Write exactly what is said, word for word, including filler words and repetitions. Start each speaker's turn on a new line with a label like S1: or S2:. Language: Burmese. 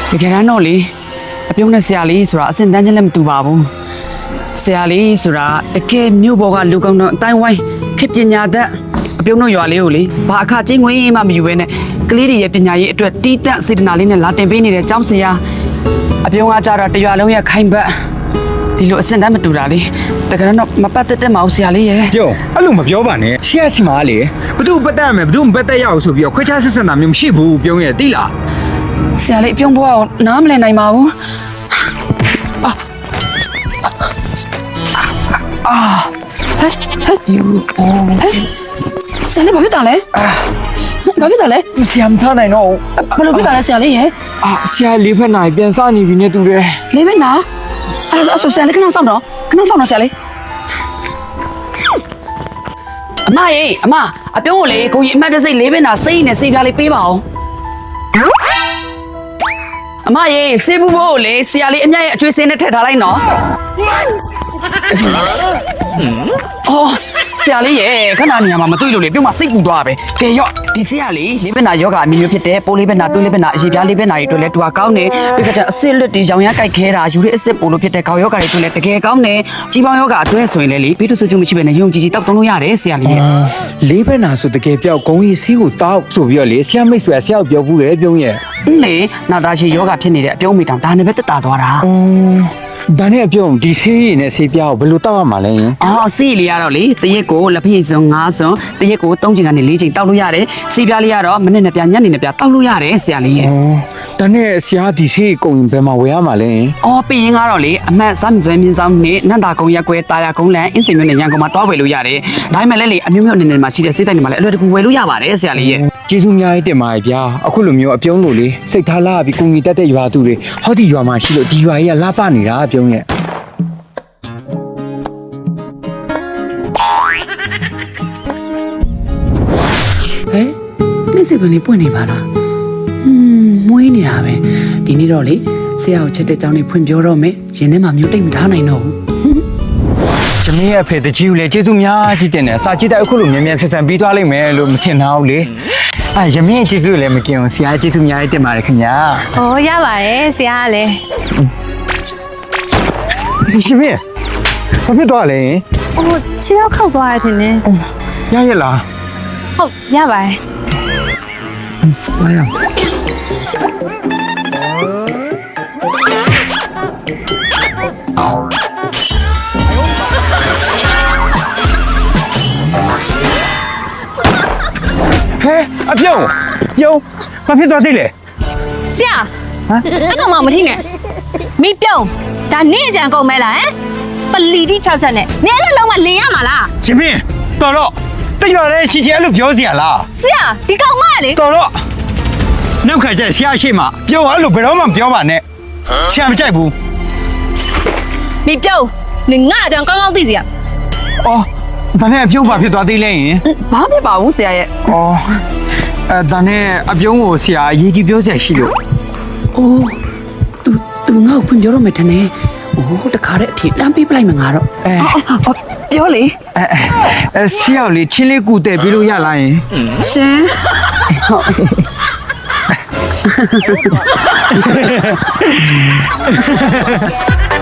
S1: တကယ်တမ်းတော့လေအပြုံးနဲ့ဆရာလေးဆိုတာအစင်တန်းချင်းလည်းမတူပါဘူးဆရာလေးဆိုတာတကယ်မြို့ပေါ်ကလူကောင်းတော့အတိုင်းဝိုင်းခေပညာတတ်အပြုံးတို့ရွာလေးကိုလေဘာအခချင်းငွေမှမယူဘဲနဲ့ကလေးတွေရဲ့ပညာရေးအတွက်တီးတက်စေတနာလေးနဲ့လာတင်ပေးနေတဲ့ကျောင်းဆရာအပြုံးကကြတော့တရွာလုံးရဲ့ခိုင်ဘက်ဒီလိုအစင်တန်းမတူတာလေတကယ်တော့မပတ်သက်တဲ့မအောင်ဆရာလေးရဲ့
S2: ပြောအဲ့လိုမပြောပါနဲ့ဆရာစီမားလေဘသူပတ်သက်မယ်ဘသူမပတ်သက်ရအောင်ဆိုပြီးတော့ခွဲခြားဆက်ဆံတာမျိုးမရှိဘူးပြုံးရဲ့တိလား
S1: ဆရာလေးအပြုံးဘွားကိုနားမလည်နိုင်ပါဘူးအာအာဟဲ့ဟဲ့ယူအော်ဆရာလေးဘာဖြစ်တာလဲဘာဖြစ်တာလဲ
S2: ဆရာမထားနိုင်တော့
S1: ဘယ်လိုဖြစ်တာလဲဆရာလေးရဲ့
S2: အာဆရာလေးဖက်နိုင်ပြန်စနေပြီနဲ့တူတယ်
S1: လေးဖက်နာအဲ့ဒါဆိုဆရာလေးခဏစောင့်တော့ခဏစောင့်တော့ဆရာလေးအမရေအမအပြုံးကိုလေကိုကြီးအမတ်တစိတ်လေးဖက်နာစိတ်နဲ့စိတ်ပြားလေးပေးပါအောင်အမရေစေးဘူးဘို့လေဆရာလေးအမြတ်ရဲ့အကျွေးစင်းနဲ့ထည့်ထားလိုက်နော်အော်ဆရာလေးရေခဏနေရာမှာမတွေ့လို့လေပြုံးမစိတ်ပူသွားပဲကဲရော့ဒီဆရာလေးလေးဘက်နာယောဂအမျိုးမျိုးဖြစ်တယ်ပိုးလေးဘက်နာတွေးလေးဘက်နာအရေပြားလေးဘက်နာတွေတွေ့လဲတူတာကောင်းတယ်ပြီးတော့အစစ်လွတ်တီရောင်ရမ်းကြိုက်ခဲတာယူရစ်အစစ်ပိုလို့ဖြစ်တဲ့ခေါင်းယောဂတွေတွေ့လဲတကယ်ကောင်းတယ်ကြီးပေါင်းယောဂအတွဲဆိုရင်လေလေပြီးတော့ဆိုချူမရှိပဲနဲ့ယုံကြည်ကြည်တောက်တုံးလို့ရတယ်ဆရာလေးရေ
S2: လေးဘက်နာဆိုတကယ်ပြောက်ဂုံကြီးစီးကိုတောက်ဆိုပြီးတော့လေဆရာမိတ်ဆွေဆရာကိုပြောဘူးလေပြုံးရဲ့
S1: လေနောက်သားရှိယောဂဖြစ်နေတဲ့အပြုံးမိတောင်ဒါနဲ့ပဲတက်တာသွားတာ
S2: ဒါနဲ့အပြုံးဒီဆေးရည်နဲ့ဆေးပြားကိုဘယ်လိုတောက်ရမှာလဲ
S1: အော်ဆေးလေးကတော့လေတရက်ကိုလက်ဖက်စုံငါးစုံတရက်ကိုသုံးချိန်ကနေလေးချိန်တောက်လို့ရတယ်ဆေးပြားလေးကတော့မနေ့နဲ့ပြညနေနဲ့ပြတောက်လို့ရတယ်ဆရာလေးရဲ့
S2: ဒါနဲ့ဆရာဒီဆေးကုန်ဘယ်မှာဝယ်ရမှာလဲ
S1: အော်ပြင်ရင်ကတော့လေအမှတ်စမ်းစွဲမြင်းဆောင်နဲ့နန္တာကုံရက်ကွဲတာယာကုန်းလန်အင်းစင်မြို့နဲ့ရန်ကုန်မှာတွားဝယ်လို့ရတယ်ဒါပေမဲ့လည်းလေအမျိုးမျိုးအနေနဲ့မှာရှိတဲ့ဆေးဆိုင်တွေမှာလည်းအလွယ်တကူဝယ်လို့ရပါတယ်ဆရာလေးရဲ့
S2: ကျေးဇူးများတင်ပါတယ်ဗျာအခုလိုမျိုးအပြုံးလို့လေစိတ်ထားလာပြီးကိုငီတက်တဲ့ရွာသူတွေဟောဒီရွာမှာရှိလို့ဒီရွာကြီးကလှပနေတာအပြုံးရဲ့
S1: ဟဲ့နေ့စီပင်လေးပွင့်နေပါလားဟွန်းမွေးနေတာပဲဒီနေ့တော့လေဆရာကိုချက်တဲ့ကြောင်းလေးဖွင့်ပြောတော့မယ်ရင်ထဲမှာမျိုးတိတ်မထားနိုင်တော့ဘူး
S2: ကျမရဲ့အဖေတကြီးကိုလည်းကျေးဇူးများကြီးတင်တယ်စာကြည့်တဲ့အခုလိုမြန်မြန်ဆက်ဆံပြီးသွားလိမ့်မယ်လို့မထင်တော့ဘူးလေအဲရမင်းကျေးဇူးလည်းမကင်ဘူးဆရာကျေးဇူးများကြီးတင်ပါတယ်ခင်ဗျာ
S3: ဩရပါတယ်ဆရာကလည်း
S2: ရှင်မင်းဘာဖြစ်သွားလဲ
S3: ဟိုခြေတော့ခောက်သွားတယ်ထင်တယ်
S2: ရရလား
S3: ဟုတ်ရပါတယ်
S2: လာရဟဲ့အပြုံးပြုံးဘာဖြစ်သွားသေးလဲ
S3: ဆရာဟမ်အဲ့ကောင်မမထီးနဲ့မိပြုံးဒါနေအကြံကုန်မဲလားဟမ်ပလီတိ၆ချက်နဲ့နေအဲ့လုံးကလင်ရမှာလား
S2: ရှင်မင်းတော်တော့တရွာတဲ့ချီချီအဲ့လိုပြောစရာလား
S3: ဆရာဒီကောင်မလေ
S2: တော်တော့နောက်ခါကျဆရာရှိမှပြုံးအဲ့လိုဘယ်တော့မှမပြောပါနဲ့ဆရာမကြိုက်ဘူး
S3: မိပြုံးနေငါအကြံကောင်းကောင်းသိစီရ
S2: အော်ဒါနဲ့အပြုံးဘာဖြစ်သွားသေးလဲယင်
S1: ဘာဖြစ်ပါဘူးဆရာရဲ့
S2: အော်အဲဒါနဲ့အပြုံးကိုဆရာအရေးကြီးပြောစရာရှိလို့
S1: အိုး तू तू ငါ့ကိုဖွင့်ပြောတော့မယ်ထင်တယ်အိုးတခါတည်းအထီတန်းပေးပလိုက်မှာငါတော့အဲပြောလေ
S2: အဲအဲဆရာလေးချင်းလေးကူတဲ့ပြီးလို့ရလားယင်
S1: ရှင်ဟုတ်